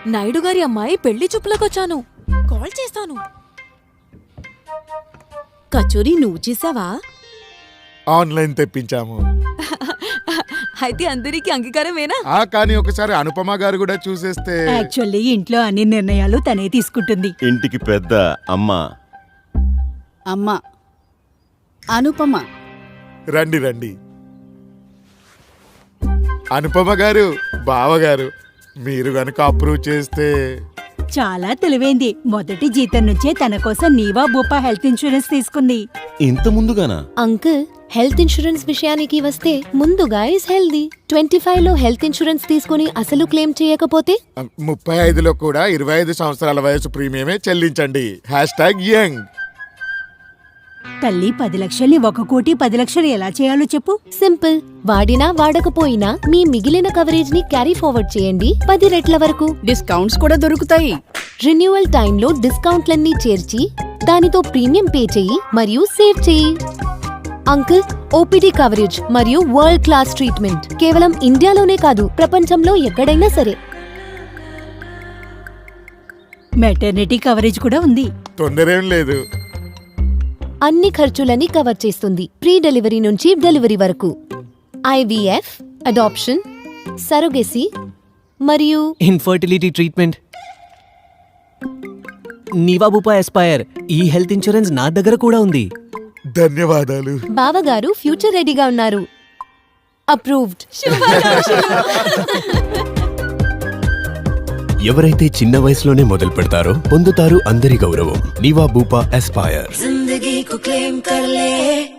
నాయుడు గారి అమ్మాయి పెళ్లి చూపులకొచ్చాను. కాల్ చేస్తాను. కచోరీ నువ్వు చేసావా? ఆన్లైన్ తెప్పించాము. అయితే అందరికి అంగీకారమేనా? కానీ ఒకసారి అనుపమ గారు కూడా చూసేస్తే. యాక్చువల్లీ ఇంట్లో అన్ని నిర్ణయాలు తనే తీసుకుంటుంది. ఇంటికి పెద్ద అమ్మ. అనుపమ. రండి రండి. అనుపమ గారు, బావగారు, మీరు గనుక అప్రూవ్ చేస్తే. చాలా తెలివైంది. మొదటి జీతం నుంచే తన కోసం నీవా బూపా హెల్త్ ఇన్సూరెన్స్ తీసుకుంది. ఇంత ముందుగానా? అంకుల్, హెల్త్ ఇన్సూరెన్స్ విషయానికి వస్తే ముందుగా ఇస్ హెల్దీ. 25లో హెల్త్ ఇన్సూరెన్స్ తీసుకుని అసలు క్లెయిమ్ చేయకపోతే 35లో కూడా 25 సంవత్సరాల వయసు ప్రీమియమే చెల్లించండి. #యంగ్. తల్లి 10 లక్షల్ని 1,10,00,000 ఎలా చేయాలో చెప్పు. సింపుల్. వాడినా వాడకపోయినా మీ మిగిలిన కవరేజ్ ని క్యారీ ఫార్వర్డ్ చేయండి 10 రెట్ల వరకు. డిస్కౌంట్స్ కూడా దొరుకుతాయి. రిన్యూవల్ టైంలో డిస్కౌంట్లన్నీ చేర్చి దానితో ప్రీమియం పే చెయ్యి మరియు సేవ్ చెయ్యి. అంకుల్, ఓపీడీ కవరేజ్ మరియు వరల్డ్ క్లాస్ ట్రీట్మెంట్ కేవలం ఇండియాలోనే కాదు, ప్రపంచంలో ఎక్కడైనా సరే. మెటర్నిటీ కవరేజ్ కూడా ఉంది. తొందరేం లేదు. అన్ని ఖర్చులని కవర్ చేస్తుంది, ప్రీ డెలివరీ నుంచి డెలివరీ వరకు. IVF, అడాప్షన్, సరోగెసీ మరియు infertility treatment. Niva Bupa Aspire ఈ హెల్త్ ఇన్సూరెన్స్ నా దగ్గర కూడా ఉంది. ధన్యవాదాలు. బావగారు ఫ్యూచర్ రెడీగా ఉన్నారు. అప్రూవ్డ్. ఎవరైతే చిన్న వయసులోనే మొదలు పెడతారో పొందుతారు అందరి గౌరవం. Niva Bupa Aspire.